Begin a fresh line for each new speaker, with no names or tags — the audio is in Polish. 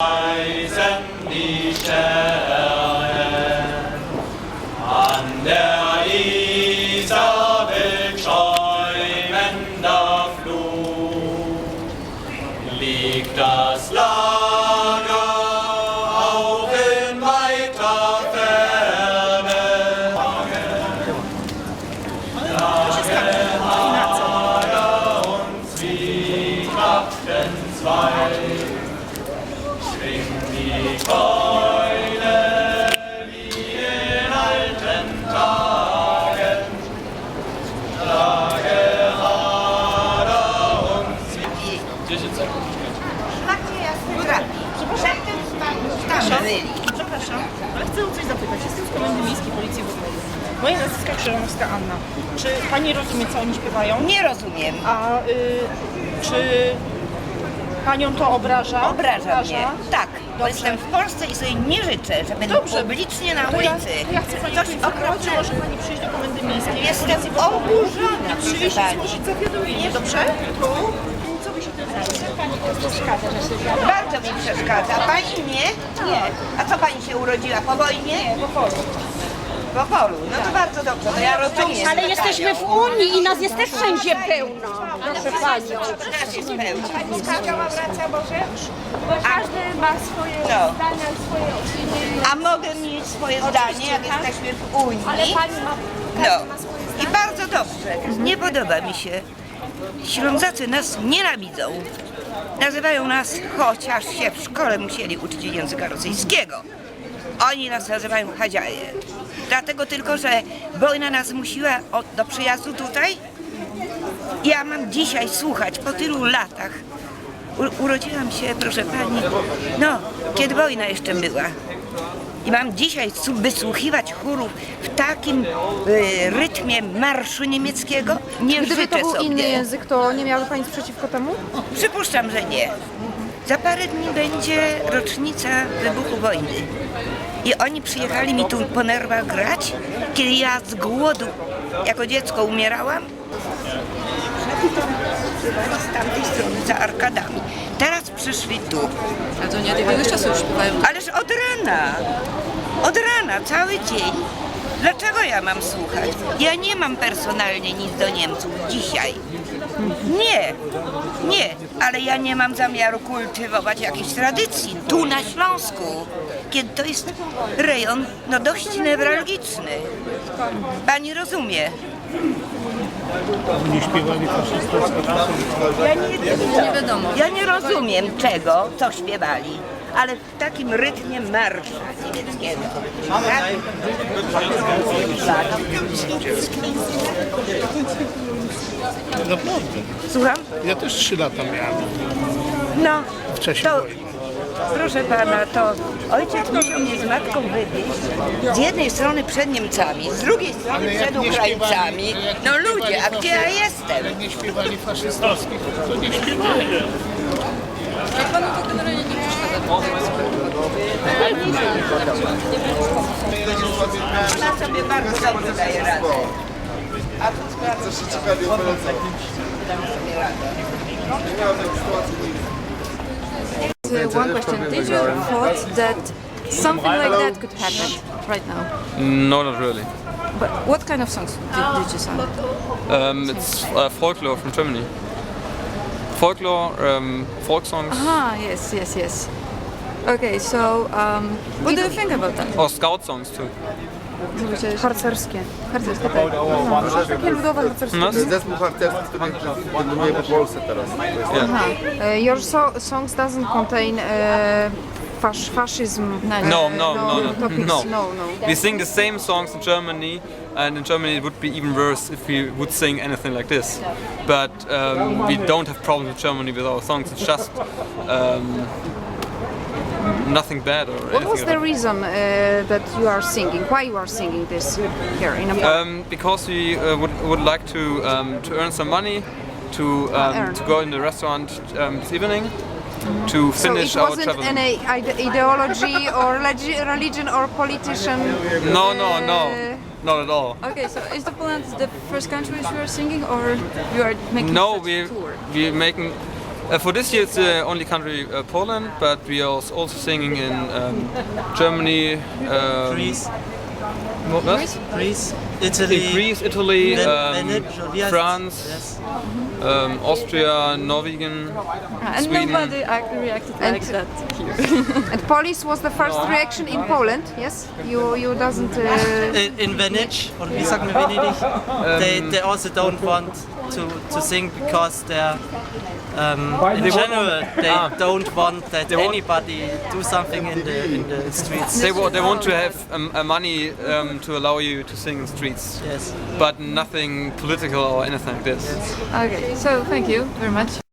Die Sterne an der Isarwelt schäumender Flut liegt das Lager auch in weiter Ferne. Lager und Zwiekapfenzweig schwingt die Keule wie in alten Tagen. Lagerhader und
Przepraszam, ale chcę o coś zapytać. Jestem z Komendy Miejskiej Policji Wodnej. Moja nazwiska Krzyżanowska Anna. Czy pani rozumie, co oni śpiewają?
Nie rozumiem.
A czy panią to obraża?
Obraża mnie. Tak, bo jestem w Polsce i sobie nie życzę, żeby publicznie na ulicy
Ja chcę pani
coś
poinformować, że może pani przyjść do Komendy Miejskiej.
Jestem oburzona, proszę
Przyjść i
pani.
złożyć zawiadomienie, dobrze? Co by się tym pani przeszkadza?
Bardzo mi przeszkadza. Pani nie? Nie. A co pani się urodziła? Po wojnie?
Nie, po polu.
Po polu. No to bardzo dobrze, to ja rozumiem.
Ale jesteśmy w Unii i nas jest też wszędzie pełno, proszę pani.
Nas jest pełno.
Wraca Boże, bo każdy ma swoje
No.
zdania, swoje opinie.
A mogę mieć swoje zdanie, jak jesteśmy w Unii?
Ale pani ma,
No. I bardzo dobrze. Nie podoba mi się. Ślązacy nas nienawidzą. Nazywają nas, chociaż się w szkole musieli uczyć języka rosyjskiego. Oni nas nazywają chadziaje. Dlatego tylko, że wojna nas zmusiła do przyjazdu tutaj. Ja mam dzisiaj słuchać po tylu latach. Urodziłam się, proszę pani, no, kiedy wojna jeszcze była. I mam dzisiaj wysłuchiwać chórów w takim rytmie marszu niemieckiego. Nie
Gdyby
życzę
to był
sobie.
inny język, to nie miałaby pani nic przeciwko temu?
Przypuszczam, że nie. Za parę dni będzie rocznica wybuchu wojny. I oni przyjechali mi tu po nerwach grać, kiedy ja z głodu jako dziecko umierałam. Z tamtej strony, za arkadami. Teraz przyszli tu.
A to nie od jakiegoś czasu już śpiewają.
Ależ od rana. Od rana, cały dzień. Dlaczego ja mam słuchać? Ja nie mam personalnie nic do Niemców dzisiaj. Nie, nie, ale ja nie mam zamiaru kultywować jakiejś tradycji tu na Śląsku, kiedy to jest rejon no dość newralgiczny. Pani rozumie?
Nie śpiewali faszystowsko.
Nie wiadomo.
Ja nie rozumiem czego, co śpiewali, ale w takim rytmie marszu niemieckiego.
Naprawdę.
Słucham?
Ja też 3 lata miałem
No,
w czasie
to,
wojny.
proszę pana, to ojciec musiał mnie z matką wywieźć z jednej strony przed Niemcami, z drugiej strony przed Ukraińcami. No ludzie, a gdzie ja jestem?
Jak nie śpiewali faszystowskich, to nie śpiewali.
Jak panu to generalnie nie przeszkadza?
Ona sobie bardzo dobrze daje radę. A tu sprawdzę, że sobie radę.
One question. Did you thought that something like that could happen right now?
No, not really.
But what kind of songs did you sing?
It's folklore from Germany. Folklore, folk songs,
Ah, yes, yes, yes. Okay, so what do you think about that?
or scout songs too.
Harcerskie.
Harcerskie, tak.
Takie ludowe harcerskie.
No,
To jest zespół harcerski, który dominuje po Polsce teraz.
Aha. Your songs doesn't contain fascism.
No,
topics.
no.
No.
We sing the same songs in Germany, and in Germany it would be even worse if we would sing anything like this. But we don't have problems with Germany with our songs. It's just nothing bad or anything.
What was the reason that you are singing? Why you are singing this here in America?
Because we would like to earn some money to go in the restaurant this evening to finish
so it
our
wasn't
travel.
any ideology or religion or politician?
No, not at all.
Okay, so is the Poland the first country you are singing, or you are making
No,
such a tour?
we're making For this year, it's the only country Poland, but we are also singing in Germany,
Greece,
what?
Greece, Italy,
In Greece, Italy,
Venice,
France,
yes.
Austria, Norwegian,
And
Sweden.
nobody reacted like that here. And Police was the first reaction in Poland, yes? You doesn't...
In Venice, or wie sagt man Venedig, they also don't want to sing because they're in general they don't want that anybody do something in the streets.
They want to have money to allow you to sing in streets,
Yes.
but nothing political or anything like this.
Okay, so thank you very much.